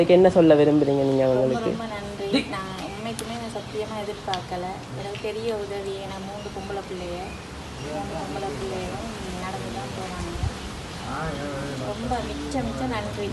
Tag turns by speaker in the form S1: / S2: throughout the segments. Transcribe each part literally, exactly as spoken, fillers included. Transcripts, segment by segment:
S1: இதுக்கு என்ன சொல்ல விரும்புறீங்க நீங்கள் அவங்களுக்கு?
S2: ரொம்ப நன்றி. நான் உண்மைக்குமே நான் சத்தியமாக எதிர்பார்க்கல. எனக்கு பெரிய உதவி. நான் மூன்று பொம்பளை பிள்ளைய மூன்று பொம்பளை பிள்ளையும் நடந்து தான் போனாங்க. ரொம்ப மிச்ச மிச்ச நன்றி.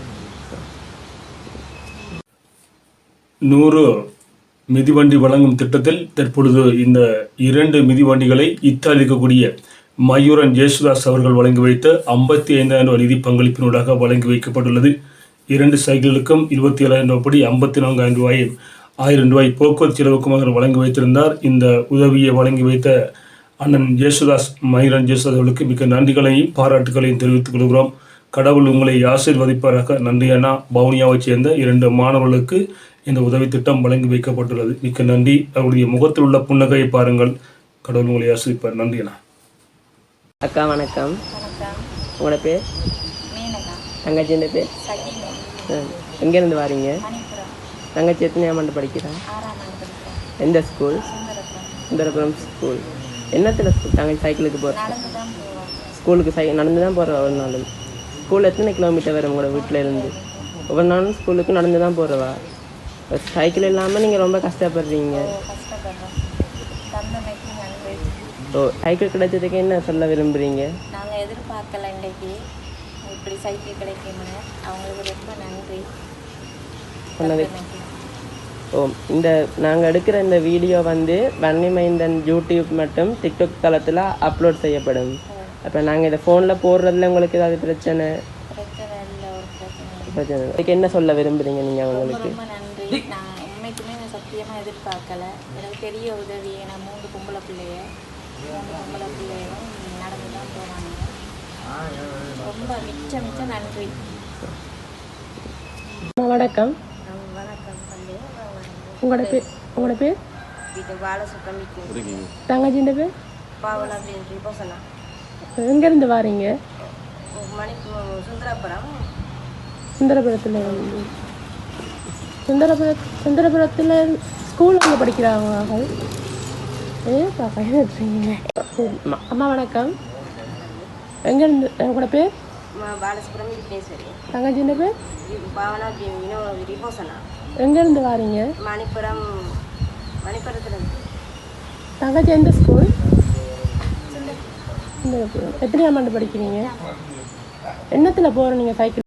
S3: நூறு மிதிவண்டி வழங்கும் திட்டத்தில் தற்பொழுது இந்த இரண்டு மிதிவண்டிகளை இத்தாலி இருக்கக்கூடிய மயூரன் ஜேசுதாஸ் அவர்கள் வழங்கி வைத்த ஐம்பத்தி ஐந்தாயிரம் ரூபாய் நிதி பங்களிப்பினூடாக வழங்கி வைக்கப்பட்டுள்ளது. இரண்டு சைக்கிள்களுக்கும் இருபத்தி ஏழாயிரம் ரூபாய் படி ஐம்பத்தி நான்காயிரம் ரூபாயும் ஆயிரம் ரூபாய் போக்குவரத்து செலவுக்குமாக வழங்கி வைத்திருந்தார். இந்த உதவியை வழங்கி வைத்த அண்ணன் ஜேசுதாஸ் மயூரன் ஜேசுதாஸ் அவர்களுக்கு மிக்க நன்றிகளையும் பாராட்டுகளையும் தெரிவித்துக் கொள்கிறோம். கடவுள் உங்களை ஆசீர்வதிப்பாராக. நன்றி அண்ணா. பவுனியாவைச் சேர்ந்த இரண்டு மாணவர்களுக்கு இந்த உதவி திட்டம் வழங்கி வைக்கப்பட்டுள்ளது. மிக்க நன்றி. அவருடைய முகத்தில் உள்ள புன்னகையை பாருங்கள். கடவுள் உங்களை ஆசீர்வதிப்பார். நன்றி அண்ணா.
S1: அக்கா வணக்கம்.
S2: வணக்கம்.
S1: உங்களோட பேர்?
S2: மீனகா.
S1: தங்கச்சியின் பேர்?
S2: சகினா.
S1: எங்கேருந்து வாரீங்க?
S2: மணிப்புரம்.
S1: தங்கச்சி எத்தனையாம் ஆண்டு படிக்கிறா?
S2: ஆறாம் ஆண்டு படிக்கிறேன்.
S1: எந்த ஸ்கூல்?
S2: சுந்தரபுரம்.
S1: சுந்தரபுரம் ஸ்கூல். என்னத்தில் ஸ்கூல் தங்கச்சி சைக்கிளுக்கு போகிற?
S2: நடந்து தான் போவோம்.
S1: ஸ்கூலுக்கு சை நடந்து தான் போகிற ஒரு நாள். ஸ்கூல் எத்தனை கிலோமீட்டர் வரும் உங்களோட வீட்டில் இருந்து? ஒவ்வொரு நாளும் ஸ்கூலுக்கு நடந்து தான் போகிறவா? சைக்கிள் இல்லாமல் நீங்கள் ரொம்ப கஷ்டப்படுறீங்க.
S2: கஷ்டப்படுறோம். தந்தமைக்கு நன்றி.
S1: ஓ, சைக்கிள் கிடைச்சதுக்கு என்ன சொல்ல விரும்புகிறீங்க?
S2: நாங்கள் எதிர்பார்க்கல இன்றைக்கு இப்படி சைக்கிள் கிடைக்கும்னு. அவங்களுக்கு ரொம்ப நன்றி.
S1: சொன்னது. ஓ, இந்த நாங்கள் எடுக்கிற இந்த வீடியோ வந்து வன்னிமைந்தன் யூடியூப் மற்றும் டிக்டாக் தளத்தில் அப்லோட் செய்யப்படும். அப்போ நாங்கள் இதை ஃபோனில் போடுறதுல உங்களுக்கு ஏதாவது பிரச்சனை?
S2: பிரச்சனை இல்லை. ஒரு பிரச்சனை
S1: பிரச்சனை இதுக்கு என்ன சொல்ல விரும்புகிறீங்க நீங்கள் அவங்களுக்கு?
S2: ரொம்ப நன்றி. நான் உண்மைக்குமே நான் சத்தியமாக எதிர்பார்க்கல. எனக்கு பெரிய உதவி. நான் மூன்று பொம்பளை பிள்ளைய மூன்று பொம்பளை பிள்ளையும் நடந்து தான் போனாங்க. ரொம்ப மிச்ச மிச்ச நன்றி.
S1: வணக்கம்.
S2: வணக்கம்.
S1: உங்களோட பேர்? உங்களோட பேர்?
S2: இது பாலசுப்ரமிக்கு.
S1: தங்கச்சியின் பேர்?
S2: பாவலா ரிபோசனா.
S1: எங்கேருந்து வாரீங்க?
S2: மணிப்பு சுந்தரபுரம்.
S1: சுந்தரபுரத்தில் இருந்து. சுந்தரபுர சுந்தரபுரத்தில் ஸ்கூல் அங்கே படிக்கிறாங்க. ஏ பார்க்குறீங்க. அம்மா வணக்கம். எங்கேருந்து? உங்களோட பேர்?
S2: பாலசுப்ரமி விக்னேஸ்வரி.
S1: தங்கச்சியின் பேர்?
S2: பாவனா ரிபோசனா.
S1: எங்கேருந்து வாரீங்க?
S2: மணிப்புரம். மணிப்புரத்தில்.
S1: தங்கச்சி எந்த ஸ்கூல்? சுந்தரபுரம். எத்தனையாம் ஆண்டு படிக்கிறீங்க? என்னத்தில் போகிற நீங்கள் சைக்கிள்?